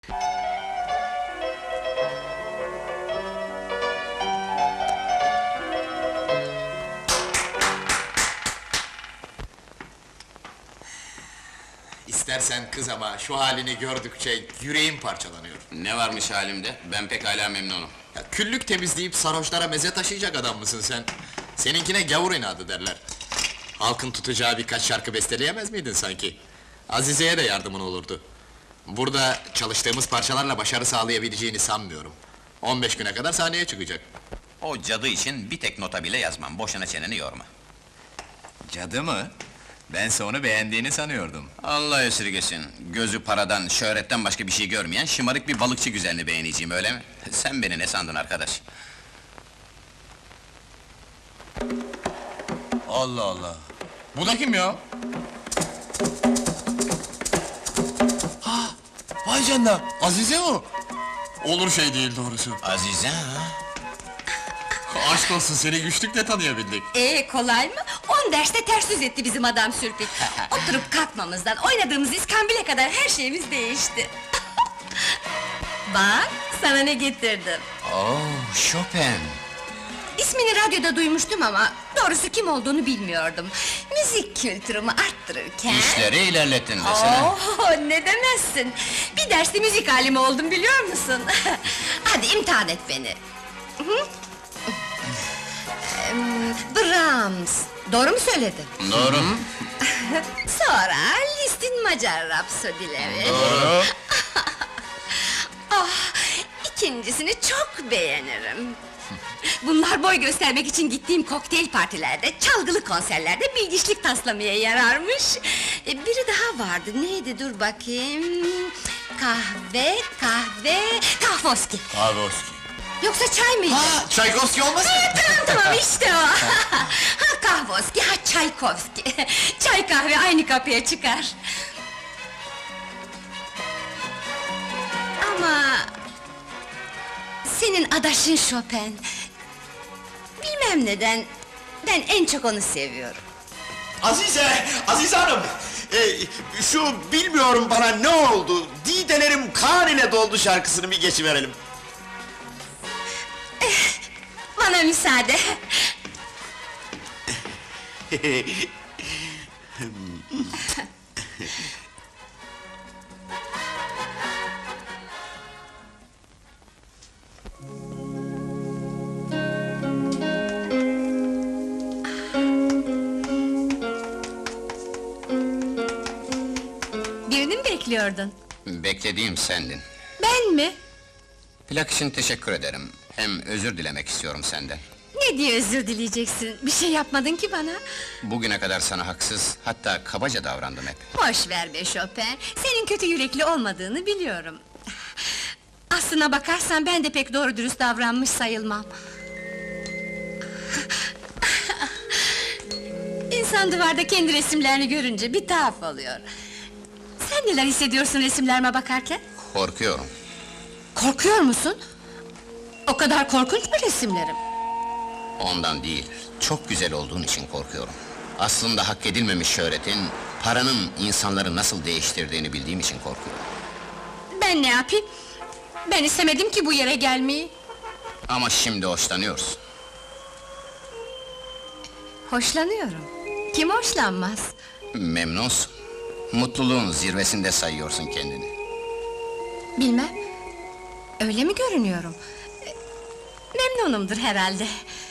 İstersen kız ama şu halini gördükçe yüreğim parçalanıyor. Ne varmış halimde? Ben pekala memnunum. Ya, küllük temizleyip sarhoşlara meze taşıyacak adam mısın sen? Seninkine gavur inadı derler. Halkın tutacağı birkaç şarkı besteleyemez miydin sanki? Azize'ye de yardımın olurdu. Burada çalıştığımız parçalarla başarı sağlayabileceğini sanmıyorum. 15 güne kadar sahneye çıkacak. O cadı için bir tek nota bile yazmam, boşuna çeneni yorma. Cadı mı? Bense onu beğendiğini sanıyordum. Allah esirgesin, gözü paradan, şöhretten başka bir şey görmeyen şımarık bir balıkçı güzelini beğeneceğim, öyle mi? Sen beni ne sandın arkadaş? Allah Allah! Bu da kim ya? Ha! Vay canına! Azize o! Olur şey değil doğrusu. Azize ha? Aşk olsun, seni güçlükle tanıyabildik. Kolay mı? 10 derste ters yüz etti bizim adam Sürpik. Oturup kalkmamızdan, oynadığımız iskambile kadar her şeyimiz değişti. Bak, sana ne getirdim. Chopin! İsmini radyoda duymuştum ama doğrusu kim olduğunu bilmiyordum. Müzik kültürümü arttırırken... İşleri ilerlettin desene. Ne demezsin! Bir derste müzik alimi oldum biliyor musun? Hadi imtihan et beni. Hı? Brahms, doğru mu söyledim? Doğru. Sonra Liszt'in Macar Rapsodileri. Doğru. İkincisini çok beğenirim. Bunlar boy göstermek için gittiğim kokteyl partilerde, çalgılı konserlerde bilgiçlik taslamaya yararmış. Biri daha vardı, neydi dur bakayım... Kahvoski. Kahvoski. Yoksa çay mıydı? Ha, Çaykovski olmasın? Tamam işte o! Ha Kahvoski, ha Çaykovski! Çay kahve aynı kapıya çıkar! Ama... Senin adaşın Chopin... Bilmem neden... Ben en çok onu seviyorum. Azize Hanım! Şu bilmiyorum bana ne oldu, didelerim kan ile doldu şarkısını bir geçiverelim. Bana müsaade! Birini mi bekliyordun? Beklediğim sendin. Ben mi? Plak için teşekkür ederim. Hem özür dilemek istiyorum senden. Ne diye özür dileyeceksin? Bir şey yapmadın ki bana! Bugüne kadar sana haksız, hatta kabaca davrandım hep. Boş ver be Chopin, senin kötü yürekli olmadığını biliyorum. Aslına bakarsan ben de pek doğru dürüst davranmış sayılmam. İnsan duvarda kendi resimlerini görünce bir tuhaf oluyor. Sen neler hissediyorsun resimlerime bakarken? Korkuyorum. Korkuyor musun? O kadar korkunç mu resimlerim? Ondan değil, çok güzel olduğun için korkuyorum. Aslında hak edilmemiş şöhretin, paranın insanları nasıl değiştirdiğini bildiğim için korkuyorum. Ben ne yapayım? Ben istemedim ki bu yere gelmeyi. Ama şimdi hoşlanıyorsun. Hoşlanıyorum. Kim hoşlanmaz? Memnunsun. Mutluluğun zirvesinde sayıyorsun kendini. Bilmem. Öyle mi görünüyorum? Memnunumdur herhalde.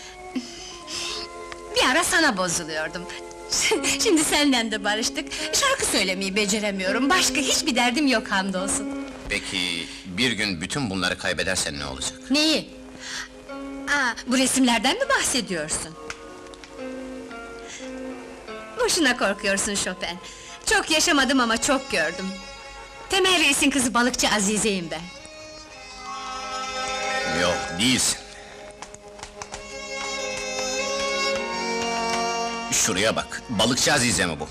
Bir ara sana bozuluyordum. Şimdi senden de barıştık. Şarkı söylemeyi beceremiyorum. Başka hiçbir derdim yok hamdolsun. Peki, bir gün bütün bunları kaybedersen ne olacak? Neyi? Bu resimlerden mi bahsediyorsun? Boşuna korkuyorsun Chopin. Çok yaşamadım ama çok gördüm. Temel Reis'in kızı balıkçı Azize'yim ben. Yok, değilsin. Şuraya bak, balıkçı Azize mi bu?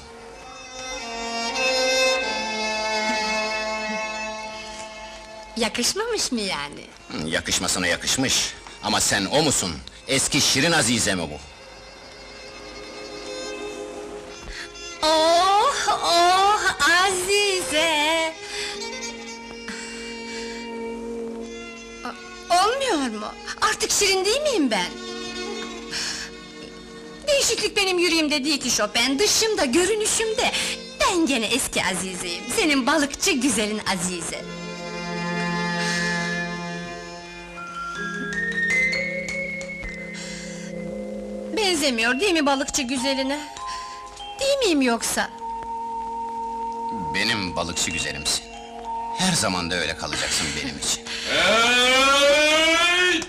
Yakışmamış mı yani? Yakışmasına yakışmış. Ama sen o musun? Eski Şirin Azize mi bu? Oh, Azize! Olmuyor mu? Artık şirin değil miyim ben? Değişiklik benim yüreğimde değil ki Chopin, dışımda, görünüşümde. Ben gene eski Azize'yim, senin balıkçı güzelin Azize. Benzemiyor değil mi balıkçı güzeline? Değil miyim yoksa? Benim balıkçı güzelimsin. Her zaman da öyle kalacaksın benim için. Hey!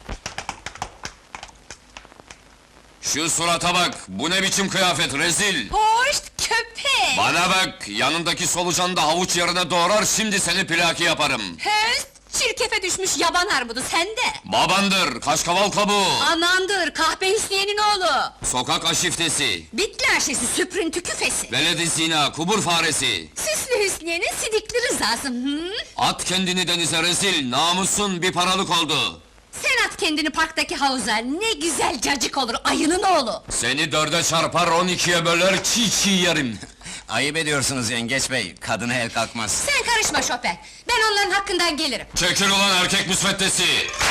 Şu surata bak, bu ne biçim kıyafet, rezil! Hoş köpek! Bana bak, yanındaki solucan da havuç yerine doğrar, şimdi seni plaki yaparım! Höst! Çirkefe düşmüş yaban armudu sende! Babandır, kaşkaval kabuğu! Anandır, kahpe Hüsniye'nin oğlu! Sokak aşiftesi, Bitli aşesi, süprüntü küfesi! veledi zina, kubur faresi! Süslü Hüsniye'nin sidikli rızası, hı? At kendini denize rezil, namusun bir paralık oldu! Sen at kendini parktaki havuza, ne güzel cacık olur, ayının oğlu! Seni dörde çarpar, 12'ye böler, çiğ çiğ yerim! Ayıp ediyorsunuz yengeç bey, kadına el kalkmaz. Sen karışma Chopin, ben onların hakkından gelirim! Çekil ulan erkek müsveddesi!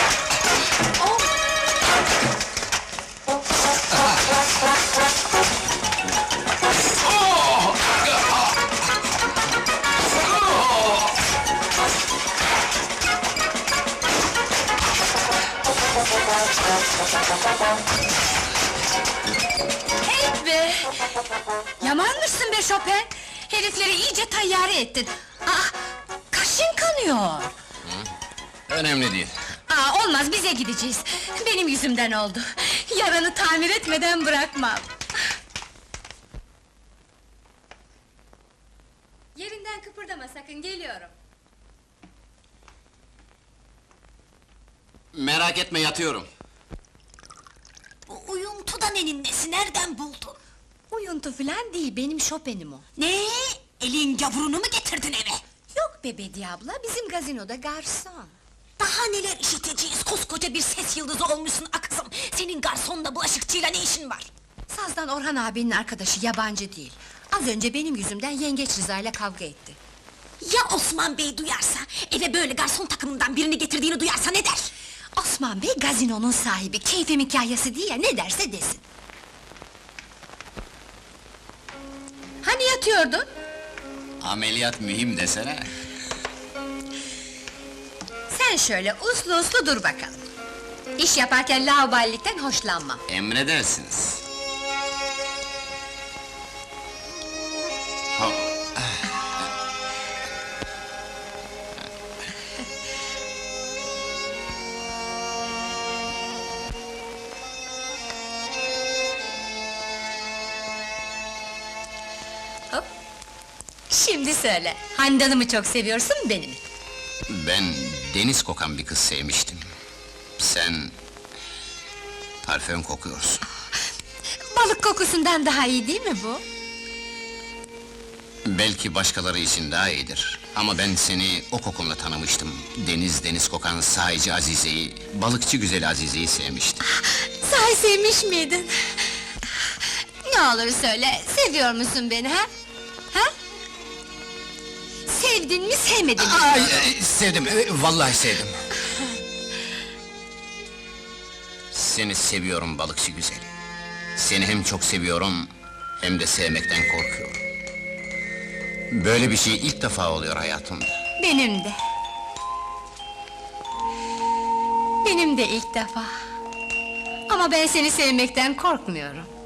Hey be! Yamanmışsın be Chopin! Herifleri iyice tayyare ettin! Ah, kaşın kanıyor! Önemli değil. Olmaz, bize gideceğiz! Benim yüzümden oldu! Yaranı tamir etmeden bırakmam! Yerinden kıpırdama sakın, geliyorum! Merak etme, yatıyorum. Bu uyuntu da nenin nesi, nereden buldun? Uyuntu falan değil, benim Chopin'im o! Ne? Elin gavurunu mu getirdin eve? Yok be Bediye abla, bizim gazinoda garson! Daha neler işiteceğiz, koskoca bir ses yıldızı olmuşsun akızım! Senin garsonla bulaşıkçıyla ne işin var? Sazdan Orhan abinin arkadaşı, yabancı değil! Az önce benim yüzümden yengeç Rıza'yla kavga etti! Ya Osman Bey duyarsa, eve böyle garson takımından birini getirdiğini duyarsa ne der? Osman Bey gazinonun sahibi, keyfim hikayesi değil ya, ne derse desin! Hani yatıyordun? Ameliyat mühim desene. Sen şöyle uslu uslu dur bakalım! İş yaparken laubalilikten hoşlanmam! Emredersiniz. Ha, Hop! Şimdi söyle, Handan'ı mı çok seviyorsun, beni mi? ben deniz kokan bir kız sevmiştim. Sen... parfüm kokuyorsun. Balık kokusundan daha iyi değil mi bu? Belki başkaları için daha iyidir. Ama ben seni o kokunla tanımıştım. Deniz kokan sahici Azize'yi, balıkçı güzel Azize'yi sevmiştim. Sahi sevmiş miydin? Ne olur söyle, seviyor musun beni ha? Ha? Sevdin mi, sevmedin mi? Ay, sevdim, vallahi sevdim. Seni seviyorum balıkçı güzel. Seni hem çok seviyorum, hem de sevmekten korkuyorum. Böyle bir şey ilk defa oluyor hayatımda. Benim de. Benim de ilk defa. Ama ben seni sevmekten korkmuyorum.